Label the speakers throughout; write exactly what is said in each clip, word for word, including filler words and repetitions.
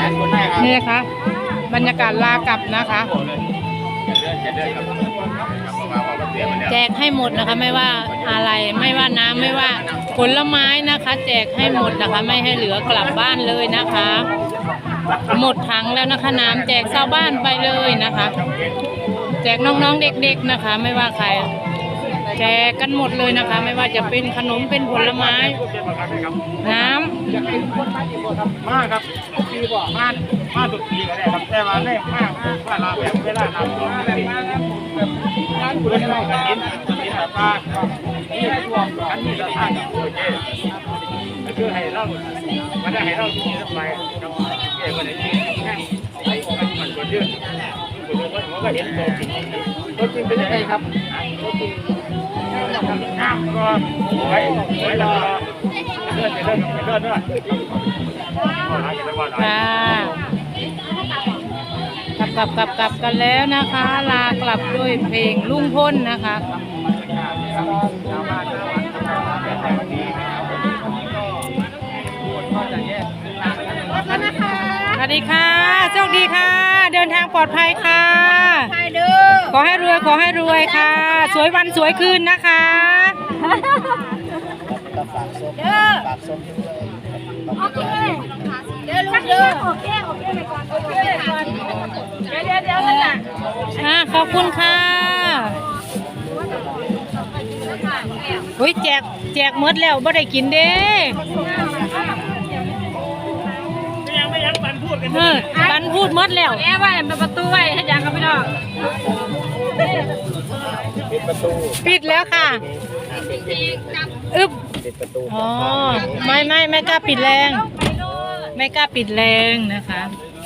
Speaker 1: นี่ค่ะบรรยากาศลากลับนะคะแจกให้หมดนะคะไม่ว่าอะไรไม่ว่าน้ำไม่ว่าผลไม้นะคะแจกให้หมดนะคะไม่ให้เหลือกลับบ้านเลยนะคะหมดถังแล้วนะคะน้ำแจกชาวบ้านไปเลยนะคะแจกน้องๆเด็กๆนะคะไม่ว่าใครแจกกันหมดเลยนะคะไม่ว่าจะเป็นขนมเป็นผลไม้น้ำ
Speaker 2: มากครับปีกว่ามากมากสุดปีก็ได้ครับแต่ว่าแรกมากว่าเราแบบเวลาทำตัวไม่ได้มากครับงานคุณได้กันกินกินแบบว่านี่รวมกันนี่ละท่านโอเคก็คือให้เราไม่ได้ให้เราที่นี่ไปครับเกี่ยวกับในที่แค่ไอ้คนมันคนยืดคนยืดว่าผมก็เห็นตัวจริงตัวจริงเป็นยังไงครับตัวจริงน้ำก็ไว้ไว้รอเลื่อนเลื่อนเลื่อนเลื่อน
Speaker 1: ค่ะกลับกลับกลับกลับกันแล้วนะคะลากลับด้วยเพลงลุงพลนะคะสวัสดีค่ะโชคดีค่ะเดินทางปลอดภัยค่ะขอให้รวยขอให้รวยค่ะสวยวันสวยคืนนะคะ
Speaker 3: เด้อโอเคเดี๋ยวลูกเด้อโอเคโอเคไปก่อนโอเคก่อนเดี๋ยวเดี๋ยวเดี๋ยวนั่นน่ะ
Speaker 1: อ่าขอบคุณค่ะอุ้ยแจกแจกหมดแล้วไม่ได้กินเด้
Speaker 2: ยังไม่ยังบันพูดกัน
Speaker 1: เออบันพูดหมดแล้ว
Speaker 3: แอบไว้ประตูไว้ให้ยังกับพี่น้อง
Speaker 2: ปิดประตู
Speaker 1: ปิดแล้วค่ะอึ๊บ
Speaker 2: ปิดประตู
Speaker 1: อ๋อไม่ไม่ไม่กล้าปิดแรงไม่กล้าปิดแรงนะคะ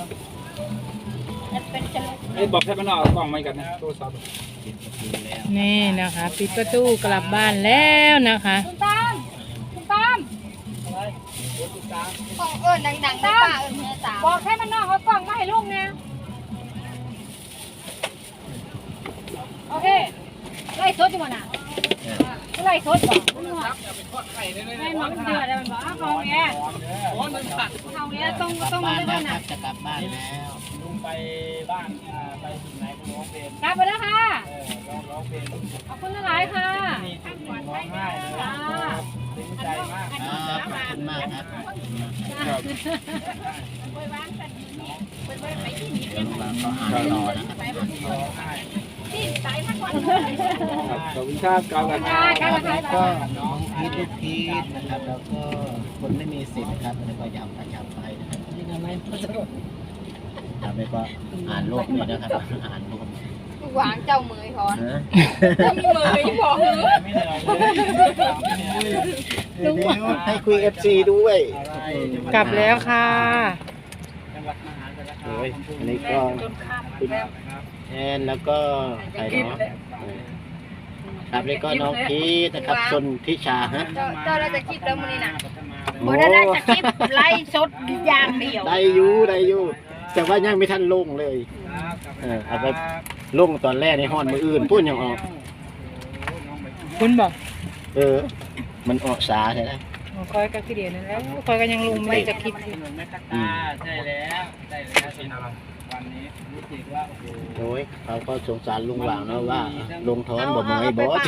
Speaker 2: ไอ้บอกให้มันออกกล่องมากันนะโทรศัพท์
Speaker 1: นี่นะคะปิดประตูกลับบ้านแล้วนะคะ
Speaker 3: คุณตามคุณตามกล่องเอิญดังๆป้าเอิญเมียสาวบอกให้มันนอกเอากล่องมาให้ลูกนะโอเคไล่สดอยู่มั้งน่ะไล่สดบ่ไม่หมดเดือดเลยมันบอกอ้าวเขาเนี้ยเขาเนี้ยต้องต้องมาด้วยนะ
Speaker 4: จะกลับบ้านแล้ว
Speaker 2: ลุงไปบ้านไปถึงไหนก็ร้องเพลง
Speaker 3: กลับไปแล้วค่ะ
Speaker 2: ร้องเพลง
Speaker 3: ขอบคุณหลายค่ะ
Speaker 2: ร้องไห้เลยดีใจมาก
Speaker 4: ขอบคุณมากครับก็รอนะครับ
Speaker 2: ขอบคุณครับกาวกัน
Speaker 4: ก็น้องพีทลูกพีทนะครับแล้วก็คนไม่มีสิทธิ์ครับแล้วก็ยำประจำไปนะครับนี่ทำไมทำไปก็อ่านโลกเลยนะครับอ่านโลก
Speaker 3: หวางเจ้าเมยพอเจ้าเมยพอ
Speaker 4: ให้คุยเอฟซีด้วย
Speaker 1: กลับแล้วค่ะ
Speaker 4: โอ้ยอันนี้ก็คุณแอนแล้วก็ใครเนาะครับแล้วก็น้องพีทนะครับชนทิชาฮะ
Speaker 3: เจ้าเราจะคลิปแล้วมือนี่นะโมได้ได้จะคลิปไล่สดอย่างเดียว
Speaker 4: ได้อยู่ได้อยู่แต่ว่ายังไม่ทันลงเลยเออเอาไปลงตอนแรกในห้องมืออื่นพูดยังออก
Speaker 1: คุณบอก
Speaker 4: เออมันออกสาใช่ไหม
Speaker 1: คอยก็ขี้เดียนั่นแล้วคอยก็ยังลงไม่จะคิด
Speaker 2: อืมใช่แล้วใช่แล้วเป็นอะไรวันนี้รู้สึกว่า
Speaker 4: โอ้ยเขาก็สงสารลุงหว่างนะว่าลงท้อนบ่มือบอส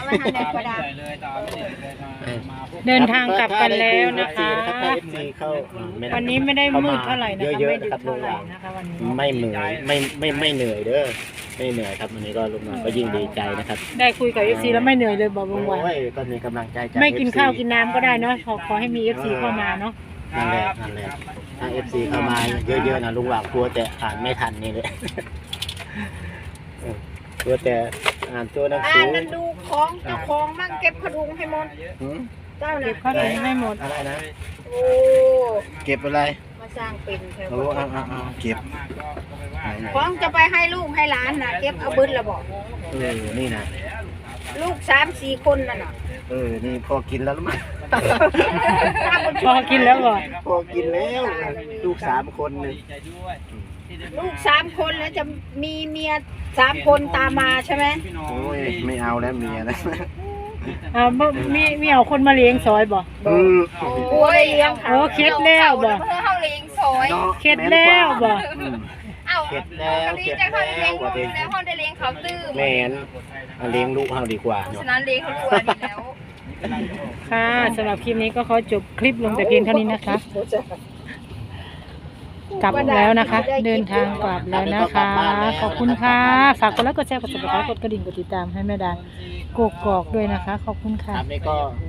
Speaker 1: เดินทางกลับกันแล้วนะคะวันนี้ไม่ได้มืดเท่าไหร่นะคะไม่ดึกเท่าไหร่นะคะวันนี้
Speaker 4: ไม่เหนื่อยไม่ไม่ไม่เหนื่อยเด้อไม่เหนื่อยครับวันนี้ก็ลุงหว่างก็ยิ่งดีใจนะครับ
Speaker 1: ได้คุยกับเอฟซีแล้วไม่เหนื่อยเลยบอกลุงหว่าง
Speaker 4: ก็มีกำลังใจจาก
Speaker 1: ไม่กินข้าวกินน้ำก็ได้เนาะขอขอให้มีเอฟซีเข้ามาเนาะ
Speaker 4: นั่นแหละนั่นแหละถ้าเอฟซีเข้ามาเยอะๆนะลุงหว่างกลัวแต่อ่านไม่ทันนี่เลยกลัวแต่อ่านตัวหนังสือ
Speaker 3: อ่านดูของเจ้าของมั่งเก็บขดุงให้หมดเจ้า
Speaker 1: เก็บขดุงให้หมด
Speaker 4: อะไรนะ
Speaker 3: โอ้
Speaker 4: เก็บอะไร
Speaker 3: มาสร้างเป็นแถว
Speaker 4: โอ้อ่าอ่าเก็บ
Speaker 3: ของจะไปให้ลูกให้หลานนะเก็บเอาบึ้นละบอก
Speaker 4: เออนี่นะ
Speaker 3: ลูกสามสี่คนน่ะน่ะ
Speaker 4: เออนี่พอกินแล้วมั้ย
Speaker 1: พอกินแล้วก่อน
Speaker 4: พอกินแล้วลูกสามคนเลย
Speaker 3: ลูกสามคนแล้วจะมีเมียสามคนตามมาใช่ไหม
Speaker 4: โอ้ยไม่เอาแล้วเมียนะ
Speaker 1: อ่ามีมีเอาคนมาเลี้ยงซอยบ่
Speaker 4: อืม
Speaker 3: โอ้ยเลี้ยง
Speaker 1: โอ้เคล็ดแล้วบ่
Speaker 3: เพื่อเขาเลี้ยงซอย
Speaker 1: เข็ดแล้วบ่
Speaker 4: อืม
Speaker 3: เอ้า
Speaker 4: เข็ดแล้ว
Speaker 3: ดี
Speaker 4: เข็ด
Speaker 3: ใจเขาได้
Speaker 4: แล้
Speaker 3: เลี้ยว ง
Speaker 4: ว่า
Speaker 3: ลู
Speaker 4: ติ
Speaker 3: กแล้วเขาได้เลี้ยงเขาตื้ม
Speaker 4: แม่นเอาเลี้ยงลูกเฮาดีกว่า
Speaker 3: เพราะ
Speaker 4: เนาะ
Speaker 3: ฉะนั้นเลี้ยงเขารวยดีแล้ว
Speaker 1: ค่ะสำหรับคลิปนี้ก็ขอจบคลิปลงแต่เพียงเท่านี้นะคะ กลับแล้วนะคะ เดินทางกลับแล้วนะคะ ขอบคุณค่ะ ฝากกดไลค์กดแชร์กดติดตามกดกระดิ่งกดติดตามให้แม่ดากกกอกด้วยนะคะ ขอบคุณค่ะ
Speaker 4: ครับนี่ก็